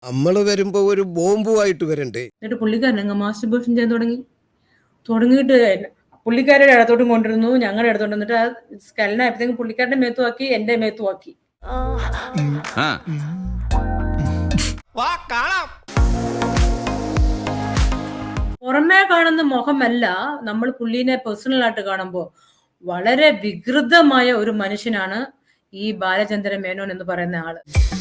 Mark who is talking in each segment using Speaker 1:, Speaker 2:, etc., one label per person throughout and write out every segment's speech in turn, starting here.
Speaker 1: നമ്മള് വരുമ്പോ ഒരു ബോംബുമായിട്ട് വരണ്ടേ?
Speaker 2: എന്നിട്ട് പുള്ളിക്കാരൻ അങ്ങ് മാസ്റ്റർബേഷൻ ചെയ്യാൻ തുടങ്ങിയിട്ട് പുള്ളിക്കാരുടെ ഇടത്തോട്ടും കൊണ്ടിരുന്നു, ഞങ്ങളുടെ ഇടത്തോട്ട്. എന്നിട്ട് ആ സ്കലനായപ്പോഴത്തേക്കും പുള്ളിക്കാരുടെ മേത്തുമാക്കി, എന്റെ മേത്തുമാക്കി. പുറമേ കാണുന്ന മുഖമല്ല, നമ്മൾ പുള്ളിനെ പേഴ്സണൽ ആയിട്ട് കാണുമ്പോൾ വളരെ വികൃതമായ ഒരു മനുഷ്യനാണ് ഈ ബാലചന്ദ്രൻ മേനോൻ എന്ന് പറയുന്ന ആള്.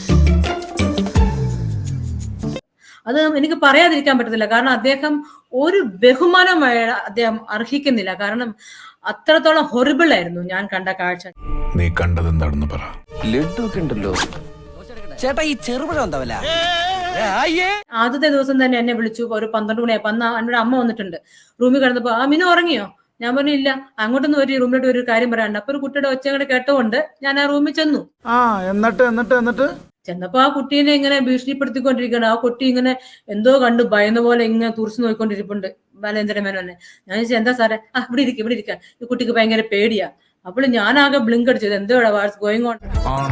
Speaker 2: അത് എനിക്ക് പറയാതിരിക്കാൻ പറ്റത്തില്ല. കാരണം അദ്ദേഹം ഒരു ബഹുമാനമായ അദ്ദേഹം അർഹിക്കുന്നില്ല. കാരണം അത്രത്തോളം ഹൊറിബിൾ ആയിരുന്നു ഞാൻ കണ്ട കാഴ്ച.
Speaker 3: നീ കണ്ടത് എന്താണെന്ന് പറ.
Speaker 4: ലഡ്ഡുണ്ടല്ലോ ചേട്ടാ, ഈ ചെറുപഴം എന്താവല്ല.
Speaker 2: ആദ്യത്തെ ദിവസം തന്നെ എന്നെ വിളിച്ചു. ഒരു 12 മണിയായപ്പോ അന്ന് എന്നോട് അമ്മ വന്നിട്ടുണ്ട്. റൂമിൽ കിടന്നപ്പോ മിനു ഉറങ്ങിയോ? ഞാൻ പറഞ്ഞു ഇല്ല. അങ്ങോട്ടൊന്നും ഒരു റൂമിലോട്ട് ഒരു കാര്യം പറയാനുണ്ട്. അപ്പൊ ഒരു കുട്ടിയുടെ ഒച്ചങ്ങടെ കേട്ടുകൊണ്ട് ഞാൻ ആ റൂമിൽ ചെന്നു.
Speaker 5: എന്നിട്ട്
Speaker 2: ചെന്നപ്പോ ആ കുട്ടീനെ ഇങ്ങനെ ഭീഷണിപ്പെടുത്തിക്കൊണ്ടിരിക്കുകയാണ്. ആ കുട്ടി ഇങ്ങനെ എന്തോ കണ്ടു ഭയന്ന പോലെ ഇങ്ങനെ തുറച്ചു നോക്കിക്കൊണ്ടിരിപ്പുണ്ട് ബാലേന്ദ്രൻ മേനോനെ. ഞാൻ ചോദിച്ചാൽ എന്താ സാറേ? ഇവിടെ ഇരിക്കാം, ഈ കുട്ടിക്ക് ഭയങ്കര പേടിയാ. അപ്പോൾ ഞാനാകെ ബ്ലിങ്ക് അടിച്ചത്, എന്തോടാ വാട്സ് ഗോയിങ് ഓൺ.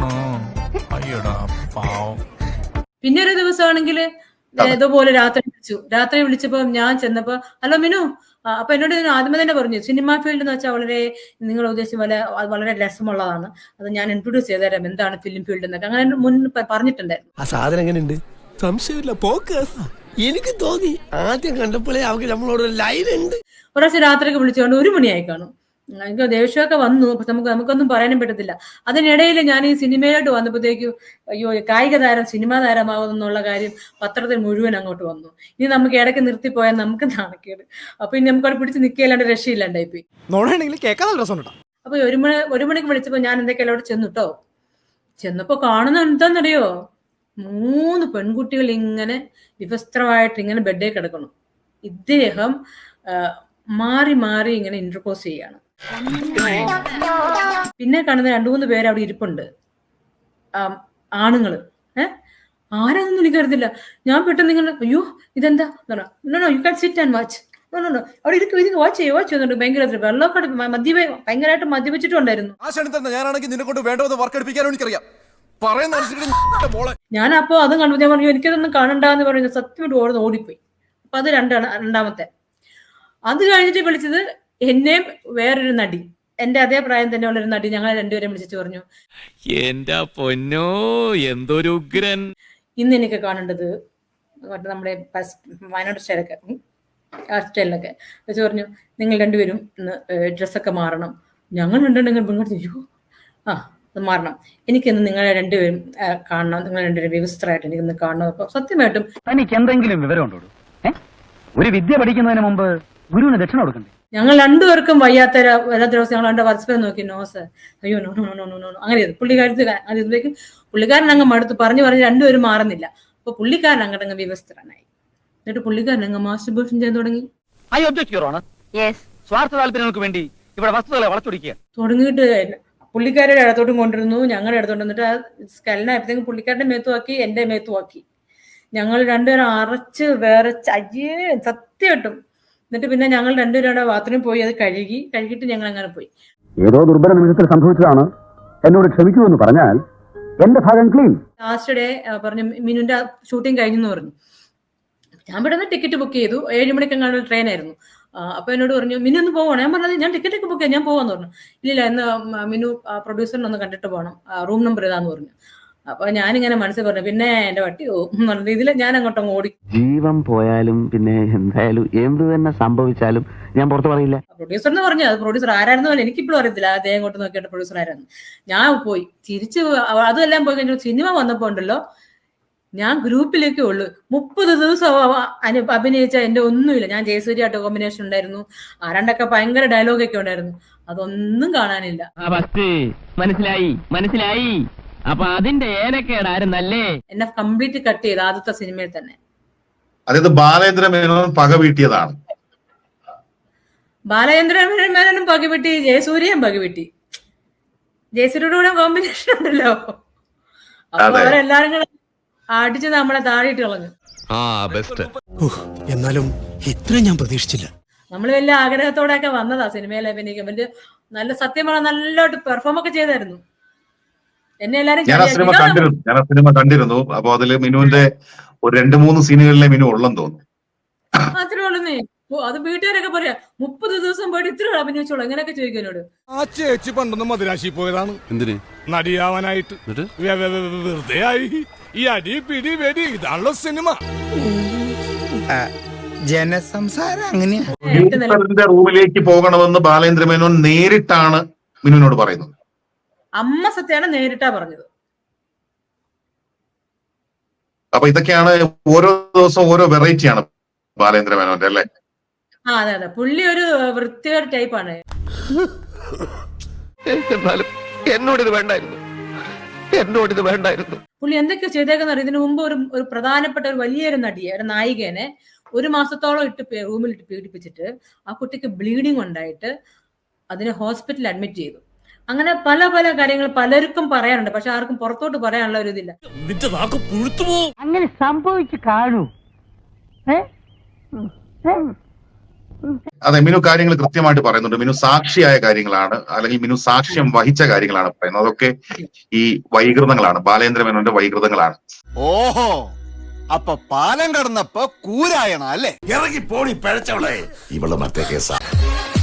Speaker 2: പിന്നെ ഒരു ദിവസമാണെങ്കിൽ ഇതുപോലെ രാത്രി വിളിച്ചപ്പോ ഞാൻ ചെന്നപ്പോ ഹലോ മിനു. അപ്പൊ എന്നോട് ആദ്യമേ തന്നെ പറഞ്ഞു, സിനിമ ഫീൽഡ് എന്ന് വെച്ചാൽ വളരെ നിങ്ങൾ ഉദ്ദേശിച്ച പോലെ വളരെ രസമുള്ളതാണ്, അത് ഞാൻ ഇൻട്രൊഡ്യൂസ് ചെയ്തുതരാം എന്താണ് ഫിലിം ഫീൽഡ് എന്നൊക്കെ അങ്ങനെ മുൻ പറഞ്ഞിട്ടുണ്ടായിരുന്നു.
Speaker 4: ആ സാധനം എങ്ങനെയുണ്ട്? സംശയമില്ല, എനിക്ക് തോന്നി ആദ്യം കണ്ടപ്പോഴേ അവർക്ക് നമ്മളോട് ലൈൻ ഉണ്ട്.
Speaker 2: ഒരു പ്രാവശ്യം രാത്രിയൊക്കെ വിളിച്ചുകൊണ്ട് 1 മണിയായി കാണും. എനിക്ക് ദേഷ്യമൊക്കെ വന്നു. പക്ഷെ നമുക്കൊന്നും പറയാനും പറ്റത്തില്ല. അതിനിടയിൽ ഞാൻ ഈ സിനിമയിലോട്ട് വന്നപ്പോഴത്തേക്കും അയ്യോ കായിക താരം സിനിമാ താരമാകുന്നുള്ള കാര്യം പത്രത്തിൽ മുഴുവൻ അങ്ങോട്ട് വന്നു. ഇനി നമുക്ക് ഇടയ്ക്ക് നിർത്തിപ്പോയാൽ നമുക്ക് നാണക്കേട്. അപ്പൊ ഇനി നമുക്ക് അവിടെ പിടിച്ച് നിൽക്കല്ലാണ്ട് രക്ഷയില്ലാണ്ടായിപ്പോയി. അപ്പൊ 1 മണിക്ക് വിളിച്ചപ്പോ ഞാൻ എന്തൊക്കെയല്ലോ അവിടെ ചെന്നുട്ടോ. ചെന്നപ്പോ കാണുന്ന എന്താന്നറിയോ? 3 പെൺകുട്ടികൾ ഇങ്ങനെ വിവസ്ത്രമായിട്ട് ഇങ്ങനെ ബെഡേ കിടക്കണം. ഇദ്ദേഹം മാറി മാറി ഇങ്ങനെ ഇന്റർപോസ് ചെയ്യാണ്. പിന്നെ കാണുന്ന 2-3 പേര് അവിടെ ഇരിപ്പുണ്ട്, ആണുങ്ങള്. ആരാന്നൊന്നും എനിക്കറിയത്തില്ല. ഞാൻ പെട്ടെന്ന് നിങ്ങൾ അയ്യോ ഇതെന്താ you can sit and watch. അവിടെ ഇരിക്കും വാച്ച് ചെയ്യുന്നുണ്ട്. ഭയങ്കര വെള്ളമൊക്കെ ഭയങ്കരമായിട്ട് മദ്യപിച്ചിട്ടുണ്ടായിരുന്നു. ഞാൻ അപ്പോ അതും കണ്ടു. ഞാൻ പറഞ്ഞു എനിക്കതൊന്നും കാണണ്ടെന്ന് പറയുന്നത് സത്യമായിട്ട് ഓടിപ്പോയി. അപ്പൊ അത് രണ്ടാമത്തെ. അത് കഴിഞ്ഞിട്ട് വിളിച്ചത് എന്നെയും വേറൊരു നടി, എന്റെ അതേ പ്രായം തന്നെ ഉള്ളൊരു നടി. ഞങ്ങൾ രണ്ടുപേരും വിളിച്ചിട്ട് പറഞ്ഞു,
Speaker 6: എന്റെ പൊന്നോ എന്തൊരു ഉഗ്രൻ.
Speaker 2: ഇന്ന് എനിക്ക് കാണേണ്ടത് നമ്മുടെ വയനാട് സ്റ്റൈലൊക്കെ വെച്ച് പറഞ്ഞു, നിങ്ങൾ രണ്ടുപേരും ഇന്ന് ഡ്രസ്സൊക്കെ മാറണം. ഞങ്ങൾ രണ്ടുണ്ടെങ്കിൽ അത് മാറണം. എനിക്കിന്ന് നിങ്ങളെ രണ്ടുപേരും കാണണം. നിങ്ങൾ രണ്ടുപേരും വ്യവസ്ഥരായിട്ട് എനിക്കിന്ന് കാണണം. അപ്പൊ സത്യമായിട്ടും
Speaker 7: തനിക്ക് എന്തെങ്കിലും വിവരമുണ്ടോ? ഒരു വിദ്യ പഠിക്കുന്നതിന് മുമ്പ് ഗുരുവിന് ദക്ഷിണ കൊടുക്കണ്ടേ?
Speaker 2: ഞങ്ങൾ രണ്ടുപേർക്കും വയ്യാത്ത ദിവസം ഞങ്ങൾ രണ്ട് പരസ്പരം നോക്കി. നോ സർ, അയ്യോ no no no no no അങ്ങനെ ഇതിലേക്ക് പുള്ളിക്കാരൻ അങ്ങ് മടുത്ത് പറഞ്ഞ് രണ്ടുപേരും മാറുന്നില്ല. അപ്പൊ പുള്ളിക്കാരൻ അങ്ങോട്ടങ്ങ് വ്യവസ്ഥനായി. എന്നിട്ട് പുള്ളിക്കാരൻ അങ്ങ് മാസ്റ്റർബേഷൻ ചെയ്യാൻ തുടങ്ങി.
Speaker 7: സ്വാർത്ഥ താല്പര്യങ്ങൾക്ക് വേണ്ടി ഇവിടെ വസ്തുതകളെ വളച്ചൊടിക്കുക
Speaker 2: തുടങ്ങിയിട്ട് പുള്ളിക്കാരുടെ ഇടത്തോട്ടും കൊണ്ടിരുന്നു, ഞങ്ങളുടെ ഇടത്തോട്ട്. എന്നിട്ട് ആ സ്കലനായപ്പോഴത്തേക്കും പുള്ളിക്കാരുടെ മേത്തുമാക്കി, എന്റെ മേത്തുമാക്കി. ഞങ്ങൾ രണ്ടുപേരും അറച്ച് വേറെ സത്യമായിട്ടും. എന്നിട്ട് പിന്നെ ഞങ്ങൾ രണ്ടുപേരുടെ ബാത്റൂമിൽ പോയി അത് കഴുകിയിട്ട് ഞങ്ങൾ അങ്ങനെ പോയി.
Speaker 8: ഏതോ ദുർബല നിമിഷത്തിൽ സംഭവിച്ചതാണ്, എന്നോട് ക്ഷമിക്കുമെന്ന് പറഞ്ഞാൽ എന്റെ ഭാഗം ക്ലീൻ.
Speaker 2: ലാസ്റ്റ് ഡേ പറഞ്ഞു മിനുന്റെ ഷൂട്ടിംഗ് കഴിഞ്ഞെന്ന് പറഞ്ഞു. ഞാൻ പെട്ടെന്ന് ടിക്കറ്റ് ബുക്ക് ചെയ്തു. 7 മണിക്കെങ്ങാണ്ട് ട്രെയിൻ ആയിരുന്നു. അപ്പൊ എന്നോട് പറഞ്ഞു മിനു ഒന്ന് പോകണം. ഞാൻ പറഞ്ഞത് ഞാൻ ടിക്കറ്റ് ഒക്കെ ബുക്ക് ചെയ്യാം, ഞാൻ പോവാന്ന് പറഞ്ഞു. ഇല്ല എന്ന് മിനു പ്രൊഡ്യൂസറിനെ ഒന്ന് കണ്ടിട്ട് പോകണം, റൂം നമ്പർ ഇതാന്ന് പറഞ്ഞു. അപ്പൊ ഞാനിങ്ങനെ മനസ്സിൽ പറഞ്ഞു പിന്നെ എന്റെ വട്ടി പറഞ്ഞ രീതിയിൽ ഞാൻ അങ്ങോട്ടും ഓടി.
Speaker 9: ജീവൻ പോയാലും പിന്നെ എന്തായാലും എന്ത് തന്നെ സംഭവിച്ചാലും ഞാൻ പുറത്ത് പറയില്ല.
Speaker 2: പ്രൊഡ്യൂസറിന് പറഞ്ഞു, അത് പ്രൊഡ്യൂസർ ആരായിരുന്നു എനിക്കിപ്പോഴും അറിയത്തില്ല. അതേ അങ്ങോട്ട് നോക്കിയിട്ട് പ്രൊഡ്യൂസർ ആരായിരുന്നു. ഞാൻ പോയി തിരിച്ച് അതെല്ലാം പോയി കഴിഞ്ഞു. സിനിമ വന്നപ്പോ ഉണ്ടല്ലോ, ഞാൻ ഗ്രൂപ്പിലേക്കേ ഉള്ളു. 30 ദിവസം അഭിനയിച്ച എന്റെ ഒന്നുമില്ല. ഞാൻ ജയസൂര്യായിട്ട് കോമ്പിനേഷൻ ഉണ്ടായിരുന്നു, ആരാണ്ടൊക്കെ ഭയങ്കര ഡയലോഗൊക്കെ ഉണ്ടായിരുന്നു. അതൊന്നും കാണാനില്ല.
Speaker 7: മനസ്സിലായി. അപ്പൊ അതിന്റെ ഏനക്കേടായിരുന്നല്ലേ
Speaker 2: എന്നെ കംപ്ലീറ്റ് കട്ട് ചെയ്ത് ആദ്യത്തെ സിനിമയിൽ തന്നെ.
Speaker 10: അതായത് ബാലേന്ദ്ര മേനോൻ പക വീട്ടിയതാണ്.
Speaker 2: ബാലേന്ദ്ര മേനോനും പക വീട്ടി, ജയസൂര്യയും പക വീട്ടി. ജയസൂര്യയുടെ കൂടെ കോമ്പിനേഷൻ ഉണ്ടല്ലോ, അപ്പൊ അവരെല്ലാരും കൂടെ അടിച്ച് നമ്മളെ താഴെയിട്ട് കളഞ്ഞു.
Speaker 1: എന്നാലും ഇത്രയും ഞാൻ പ്രതീക്ഷിച്ചില്ല.
Speaker 2: നമ്മള് വലിയ ആഗ്രഹത്തോടെയൊക്കെ വന്നതാ സിനിമയിൽ അഭിനയിക്കാൻ. വലിയ നല്ല സത്യമാണ്, നല്ലോട്ട് പെർഫോം ഒക്കെ ചെയ്തായിരുന്നു. എന്നെ എല്ലാരും
Speaker 10: ഞാൻ ആ സിനിമ കണ്ടിരുന്നു. അപ്പൊ അതില് മിനുവിന്റെ ഒരു 2-3 സീനുകളിലെ മിനു ഉള്ളെന്ന് തോന്നുന്നു.
Speaker 2: അത്രേ ഉള്ളന്നേ. അത് വീട്ടുകാരൊക്കെ പറയാ 30 ദിവസം പോയിട്ട് ഇത്ര അഭിനയിച്ചോളൂ എങ്ങനെയൊക്കെ ചോദിക്കാനോട്.
Speaker 4: ആ ചേച്ചി പണ്ടൊന്ന് മദിരാശി പോയതാണ്. എന്തിന്? നടിയാവാനായിട്ട്. വെറുതെ ആയി. ഈ അടി പിടി വെടി ഇതാണല്ലോ സിനിമ.
Speaker 5: ജനസംസാരം അങ്ങനെയാ.
Speaker 10: പ്രൊഡ്യൂസറിന്റെ റൂമിലേക്ക് പോകണമെന്ന് ബാലേന്ദ്ര മേനോൻ നേരിട്ടാണ് മിനുവിനോട് പറയുന്നത്.
Speaker 2: അമ്മ സത്യാണ് നേരിട്ടാ പറഞ്ഞത്.
Speaker 10: അപ്പൊ ഇതൊക്കെയാണ് ഓരോ ദിവസവും ഓരോ വെറൈറ്റിയാണ് ബാലേന്ദ്ര മേനോന്റെ അല്ലേ?
Speaker 2: അതെ അതെ, പുള്ളി ഒരു വൃത്തികേട് ടൈപ്പാണ്.
Speaker 9: എന്നോടിത് വേണ്ടായിരുന്നു, എന്നോടിത് വേണ്ടായിരുന്നു.
Speaker 2: പുള്ളി എന്തൊക്കെയോ ചെയ്തേക്കുന്ന ഇതിനു മുമ്പ് ഒരു പ്രധാനപ്പെട്ട ഒരു വലിയൊരു നടിയെ, ഒരു നായികനെ 1 മാസത്തോളം റൂമിൽ ഇട്ട് പീഡിപ്പിച്ചിട്ട് ആ കുട്ടിക്ക് ബ്ലീഡിങ് ഉണ്ടായിട്ട് അതിനെ ഹോസ്പിറ്റലിൽ അഡ്മിറ്റ് ചെയ്തു. അങ്ങനെ പല പല കാര്യങ്ങൾ പലർക്കും പറയാനുണ്ട്, പക്ഷെ ആർക്കും പുറത്തോട്ട് പറയാനുള്ള ഒരു ഇതില്ല.
Speaker 7: അങ്ങനെ സംഭവിച്ചു കാണൂ.
Speaker 10: അതെ, മിനു കാര്യങ്ങൾ കൃത്യമായിട്ട് പറയുന്നുണ്ട്. മിനു സാക്ഷിയായ കാര്യങ്ങളാണ്, അല്ലെങ്കിൽ മിനു സാക്ഷ്യം വഹിച്ച കാര്യങ്ങളാണ് പറയുന്നത്. അതൊക്കെ ഈ വൈകൃതങ്ങളാണ്, ബാലേന്ദ്ര മേനോന്റെ വൈകൃതങ്ങളാണ്.
Speaker 5: ഓഹോ, അപ്പൊ പാലം കടന്നപ്പോ കൂരായണ അല്ലേ?
Speaker 4: ഇറങ്ങി പോണി പഴച്ചവളെ.
Speaker 5: ഇവള് മറ്റേ കേസാ.